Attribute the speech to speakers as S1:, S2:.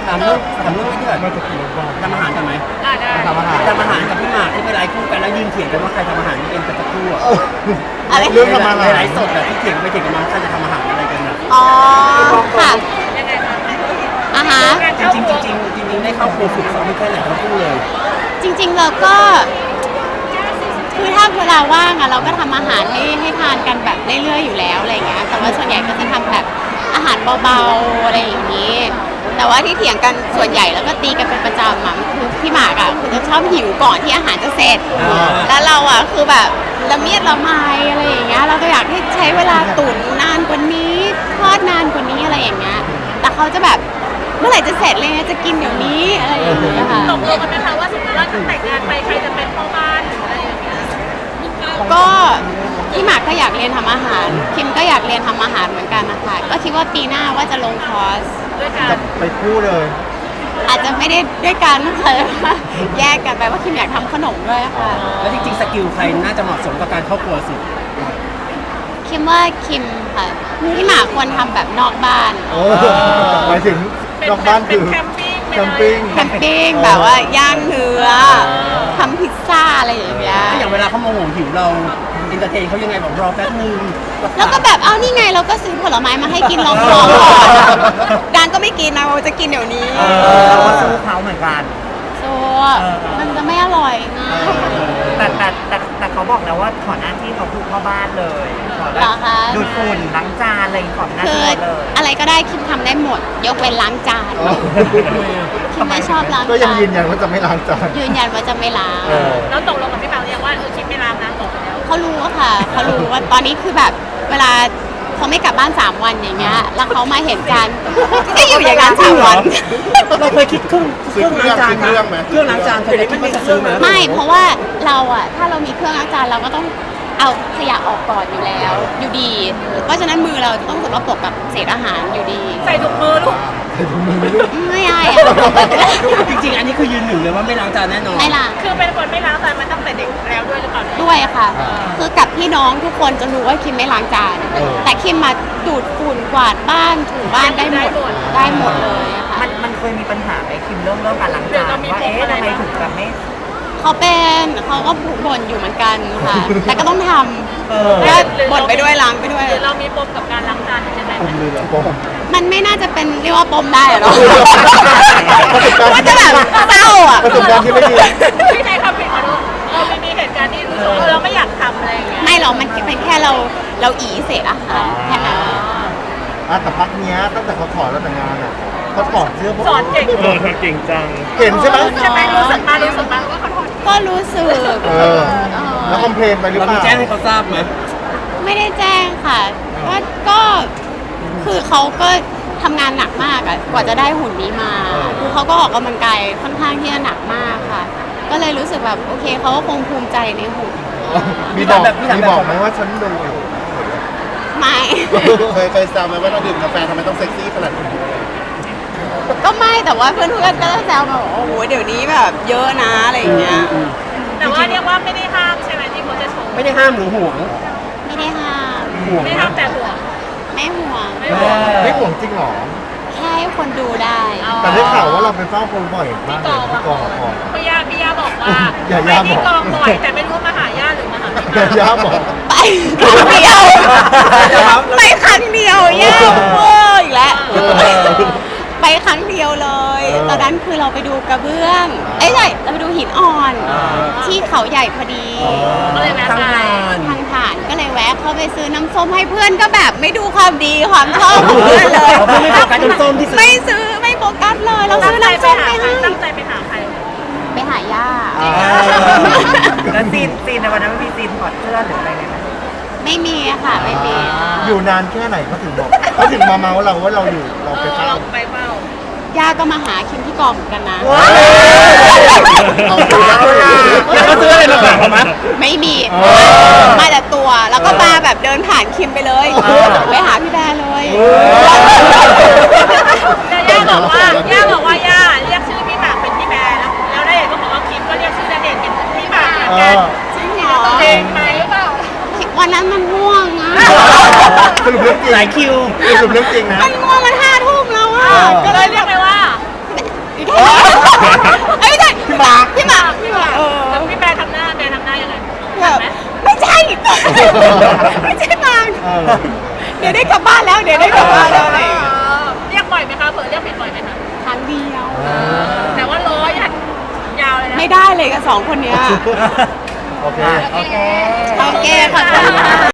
S1: ถามเรื่องไม่เกิดทำอาหารกันไหม
S2: ได้
S1: ทำอาหารกับพี่หมากที่ไปไลฟ์คู่กันแล้วยืนเถียงกันว่าใครทำอาหารนี่เองกันสักครู่อะ
S3: อะไร
S4: เรื่องทำอาหาร
S1: ไลฟ์สดอะที่เถียงกันไปเถียงกันมาใครจะทำอาหารอะไรกันอะ
S3: อ๋อค่ะอ่ะฮะ
S1: จริงได้เข้าครัวฝึกซ้อมไม่แค่ไหนทั้งคู่เลย
S3: จริงๆเราก็คือถ้าเวลาว่างอะเราก็ทำอาหารให้ทานกันแบบเรื่อยๆอยู่แล้วอะไรเงี้ยแต่ว่าส่วนใหญ่ก็จะทำแบบอาหารเบาๆอะไรอย่างนี้ แต่ว่าที่เถียงกันส่วนใหญ่แล้วก็ตีกันเป็นประจำอะคือพี่หมากอะคือจะชอบหิวก่อนที่อาหารจะเสร็จ แล้วเราอะคือแบบละเมียดละไมอะไรอย่างเงี้ยเราก็อยากให้ใช้เวลาตุ๋นนานกว่านี้ทอดนานกว่านี้อะไรอย่างเงี้ยแต่เขาจะแบบเมื่อไหร่จะเสร็จเลยจะกินเดี๋ยวนี้อะไรอย่างเงี้ยค่ะ
S2: ตกลงกันไหมคะว่าสมมติว่าจะแต่งงานไปใครจะเป็นพ่อบ้านหรืออะไรอย่างเงี้ย
S3: ก็พี่หมากก็อยากเรียนทำอาหารคิมก็อยากเรียนทำอาหารเหมือนกันนะคะก็คิดว่าปีหน้าว่าจะลงคอร์ส
S2: ด้วยกัน
S4: จะไปคู่เลย
S3: อาจจะไม่ได้ด้วยกันนะคะแยกกันไปว่าคิมอยากทำขนมด้วยค่ะ
S1: แล้วจริงๆสกิลใครน่าจะเหมาะสมกับการเข้าครัวสุด
S3: คิมว่าคิมค่ะพี่หมากควรทำแบบนอกบ้าน
S4: โอ้หมายถึงนอกบ้านคือ
S2: แคมปิ้ง
S4: แคมปิ้ง
S3: แคมปิ้งแบบว่าย่างเนื้อทำพิซซ่าอะไรอย่างเงี้ย
S1: ถ้าอย่างเวลาเขาโมโหหิวเราอินเตอร์เทนเขายังไงบอกรอแป๊บนึง
S3: แล้วก็แบบเอานี่ไงเราก็ซื้อผลไม้มาให้กินลองก่อนดานก็ไม่กินนะเราจะกินเดี๋ยวนี้
S5: เราก็สู้เขาเหมือนกัน
S3: โซ่มันจะไม่อร่อยไง
S5: แต่เขาบอกแล้วว่าขอหน้าที่เขาคือพ่อบ้านเลยขอแบ
S3: เหร
S5: บ
S3: อคะ
S5: ดูดฝุ่นล้างจานอะไรขอหน้า
S3: คื
S5: ที่
S3: อ
S5: เขาเลย
S3: อะไรก็ได้คิมทำได้หมด ยกเว้นล้างจาน
S4: อ๋อ
S3: คิมไม่ชอบล้าง
S4: ก็ยั
S3: จาง น
S4: ยืนยันว่าจะไม่ล้างจาน
S3: ยืนยันว่าจะไม่ล้าง
S2: แล้วตกลงกับพี่เปาเนี่ยว่าคิดไม่รับนะบอกแล้ว
S3: เขารู้อะค่ะเขารู้ว่าตอนนี้คือแบบเวลาเขาไม่กลับบ้าน3 วันอย่างเงี้ยแล้วเขามาเห็นจานก็อยู่อย่างนั้น3 วัน
S1: เราเคยคิดเครื่องล้างจานเครื่องล้างจานเคยคิดว่าจะซื้อไหม
S3: ไม่เพราะว่าเราอะถ้าเรามีเครื่องล้างจานเราก็ต้องเอาขยะออกก่อนอยู่แล้วอยู่ดี เพราะฉะนั้นมือเราจะต้องสกปรกกับเศษอาหารอยู่ดี
S2: ใส่ถุงมือลูก
S3: ไม่อายอะ
S1: จริงๆอันนี้คือยืนหนึ่งเลยว่าไม่ล้างจานแน่นอน
S3: ไม่ล่ะ
S2: คือเป็นคนไม่ล้างจานมาตั้งแต่เด็กแล้วด้วยหรือเปล่าเนี่ย
S3: ด้วยค่ะ คือกับพี่น้องทุกคนจะรู้ว่าคิมไม่ล้างจาน แต่คิมมาดูดฝุ่นกวาดบ้านถูบ้านได้หมดได้หมดเลยอะค่ะ
S5: มันเคยมีปัญหาไหมคิมเรื่องการล้างจานว่าเอ๊ะทำไมถึงแบบไม่
S3: เขาก็บ่นอยู่เหมือนกันค่ะ แต่ก็ต้องทำก็บ่นไปด้วยล้างไปด้วย
S2: หรือเรามีปมกับการล้างจานใช่ไหม
S4: ผมเลยเหรอผม
S3: มันไม่น่าจะเป็นเรียกว่าปมได้อะเนาะว่าจะแบบเศร้าอ่ะ
S4: ประสบการณ์ที่ไม่ดี
S2: พี่ใช้คำผิดขอโทษไม่มีเหตุการณ์ที่รู้สึกว่าเราไม่อยากทำอะไรอย่างเงี้ย
S3: ไม่หรอกมันเป็นแค่เราอีเศษอาหารแค่นั้น
S4: แต่พักเนี้ยตั้งแต่เขาถอดแล้วแต่งงานอ่ะเขาถอดเสื้อพวก
S2: สอนเก่ง
S4: เก่งจัง เห็นใช่ไหม
S2: ใช่ไหมรู้สึกมาว่าเขาถอด
S3: ก็รู้สึก
S4: แล้วคอมเพลนไปหรือ
S1: เรา
S4: เป
S1: มี
S4: ล่า
S1: แจ้งให้เขาทราบไหม
S3: ไม่ได้แจ้งค่ะก็คือเขาก็ทำงานหนักมากอะกว่าจะได้หุ่นนี้มาคือเขาก็ออกกำลังกายค่อนข้างที่จะหนักมากค่ะ ก็เลยรู้สึกแบบโอเคเขาก็คงภูมิใจในหุ่น
S4: มีบอกไหมว่าฉันดูอยู่
S3: ไม่
S4: เคยแซวไหมว่าเราดื่มกาแฟทำไมต้องเซ็กซี่ขนาดนี้
S3: ก็ไม่แต่ว่าเพื่อนๆก็จะแซวมาบอกโอ้โหเดี๋ยวนี้แบบเยอะนะอะไรอย่างเงี้ย
S2: แต่ว่าเรียกว่าไม่ได้ห้ามใช่ไหมที่เขาจะชม
S1: ไม่ได้ห้ามหรือห่วง
S3: ไม่ได้ห้าม
S1: ห่วง
S2: ไม่
S1: นะ
S2: ห้ามแต่หัว
S3: ไม่ห่วง
S2: ไม่ห่วง
S4: ไม่ห่วงจริงหรอ
S3: แค่ให้คนดูได้
S4: แต่ได้ข่าวว่าเราไปเฝ้าคนบ่อยมากเลยที่กองละคร
S2: พี่ย่าบอกว่า
S4: อย่า
S2: ไป
S4: ย่า
S2: ที่
S4: บอก
S2: กองบ่อยแต่ไม่รู้มาหาย่าหรือมาหาพี่
S4: แต่ย่าบอก
S3: ไปครั้งเดียวไปครั้งเดียวแย่เวอร์อีกแล้วไปครั้งเดียวเลย ตอนนั้นคือเราไปดูกระเบื้องใช่เราไปดูหินอ่อนที่เขาใหญ่พอดี
S2: ก็เลยแวะ
S1: ทาง
S2: ไป
S1: งาน
S3: ทางผ่านก็เลยแวะเข้าไปซื้อน้ำส้มให้เพื่อนก็แบบไม่ดูความดีความชอบของเพื่อนเลย
S1: เพื่อนไม่โฟกัสน้ำส้มที่ซื้อ
S3: ไม่ซื้อไม่โฟกัสเลยเรา
S2: ตั้
S3: ซื้
S2: ง
S3: อ
S2: ใจ
S3: น้ำ
S2: ไป
S3: ส้ม
S2: หา
S3: ไป
S2: ใคร
S3: ให้
S2: ตั้งใจไปหาใคร
S3: ไปหาย่า
S5: แล้วซีนในวันนั้นไม่มีซีนถอดเสื้อหรืออะไรเลยไหม
S3: ไม่มีอะค่ะไม่มี
S4: อยู่นานแค่ไหนเขาถึงบอกเขาถึงมาเมาเราว่าเราอยู่เราไปเฝ้า
S2: เราไปเฝ้า
S3: ย่าก็มาหาคิมที่กองเหมือนกันนะ
S4: เอาดูแล้ว
S1: แล้วเขาซื้ออะไรมาฝากเขาไหม
S3: ไม่มีมาแต่ตัวแล้วก็มาแบบเดินผ่านคิมไปเลยไปหาพี่แบร์เลย
S2: แต่ย่าบอกว่าย่าเรียกชื่อพี่หมากเป็นพี่แบร์แล้วได้เห็นก็บอกว่าคิมก็เรียกชื่อณเดชน์เป็นพี่หมากเหมือนกัน
S3: จริงเหรอ
S2: เพลงไหมหรือเปล่า
S3: วันนั้นมันง่วงอะ
S4: สรุปเรื่องจริง
S1: หลายคิว
S4: สรุปเรื่องจริงนะ
S3: มันง่วงมัน5 ทุ่มแล้วอะ
S2: ก็เลยเรียกไปว่า
S3: ไม่ใช่บาง
S4: เออ
S3: เดี๋ยวได้กลับบ้านแล้วเดี๋ยวได้กลับบ้านแล้วอะไรอย่างเงี้ย
S2: เรียกบ่อยไหมคะเผื่อเรียกผิดบ่อยไหมคะ
S3: ครั้งเดียว
S2: แต่ว่าร้อยยาวเลยนะ
S3: ไม่ได้เลยกับสองคนเนี้ย
S4: โอเค
S5: โอเค
S3: โอเคขอบคุณค่ะ